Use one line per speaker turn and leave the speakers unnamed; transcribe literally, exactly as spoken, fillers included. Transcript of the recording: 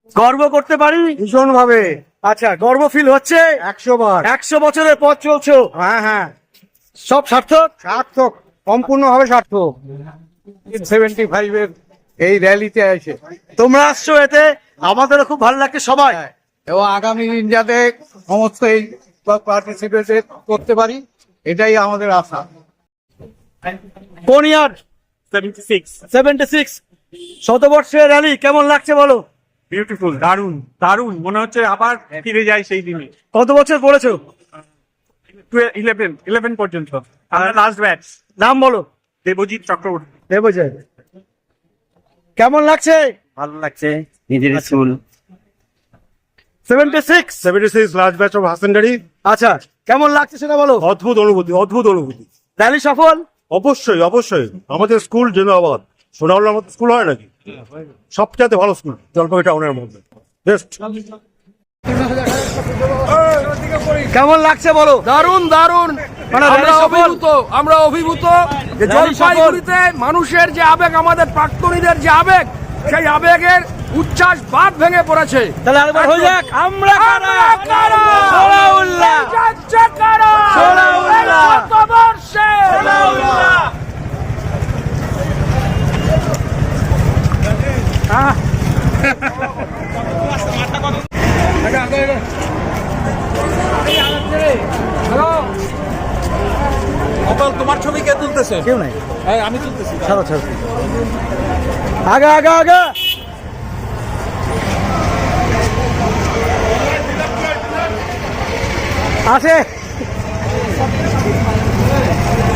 গর্ব করতে পারি
ভীষণ ভাবে।
আচ্ছা, গর্ব ফিল হচ্ছে?
একশো বার।
একশো বছরের পথ চলছো,
হ্যাঁ হ্যাঁ,
সব সার্থক।
সার্থক, সম্পূর্ণ ভাবে সার্থক। সেভেন্টি ফাইভ এর এই র্যালিতে আছে,
তোমরা আসছো, এতে আমাদেরও খুব ভালো লাগছে সবাই।
এবং আগামী দিন যাতে সমস্ত এই পার্টিসিপেট করতে পারি, এটাই আমাদের আশা।
কোন year?
Seventy six.
Seventy six শতবর্ষের র্যালি কেমন লাগছে বলো?
বিউটিফুল, দারুণ দারুণ, মনে হচ্ছে আবার ফিরে যাই সেই দিনে।
কত বছর পড়েছো?
ইলেভেন ইলেভেন পর্যন্ত আমরা লাস্ট ব্যাচ।
নাম বলো।
দেবজিৎ চক্রবর্তী।
দেবজয়, কেমন লাগছে?
ভালো লাগছে, নিজের school.
Seventy six
seventy six last batch of হাসেন্ডারি।
আচ্ছা, কেমন লাগছে সেটা বলো।
অদ্ভুত অনুভূতি, অদ্ভুত অনুভূতি।
র্যালি সফল?
অবশ্যই অবশ্যই, আমাদের স্কুল জিন্দাবাদ। সোনাউল্লার মতো স্কুল হয় নাকি? সবচেয়ে ভালো স্কুল জলপাইগুড়ি টাউনের মধ্যে, বেস্ট।
কেমন লাগছে বলো।
দারুণ দারুণ,
মানে
আমরা
র্যালি সফল?
অভিভূত, আমরা অভিভূত যে
র্যালি সফল?
জলপাইগুড়িতে মানুষের যে আবেগ, আমাদের প্রাক্তনীদের যে আবেগ, সেই আবেগের উচ্ছ্বাস বাঁধ ভেঙে পড়েছে।
তাহলে আরেকবার হয়ে যাক, আমরা কারা?
আমরা কারা?
সোনাউল্লাহ।
এই যাচ্ছে কারা?
সোনাউল্লাহ।
এই শতবর্ষে।
তোমার ছবি কে তুলতেছে?
কেউ নাই,
আমি তুলতেছি।
ছাড়ো ছাড়ো, আগা আগা আগা। আসে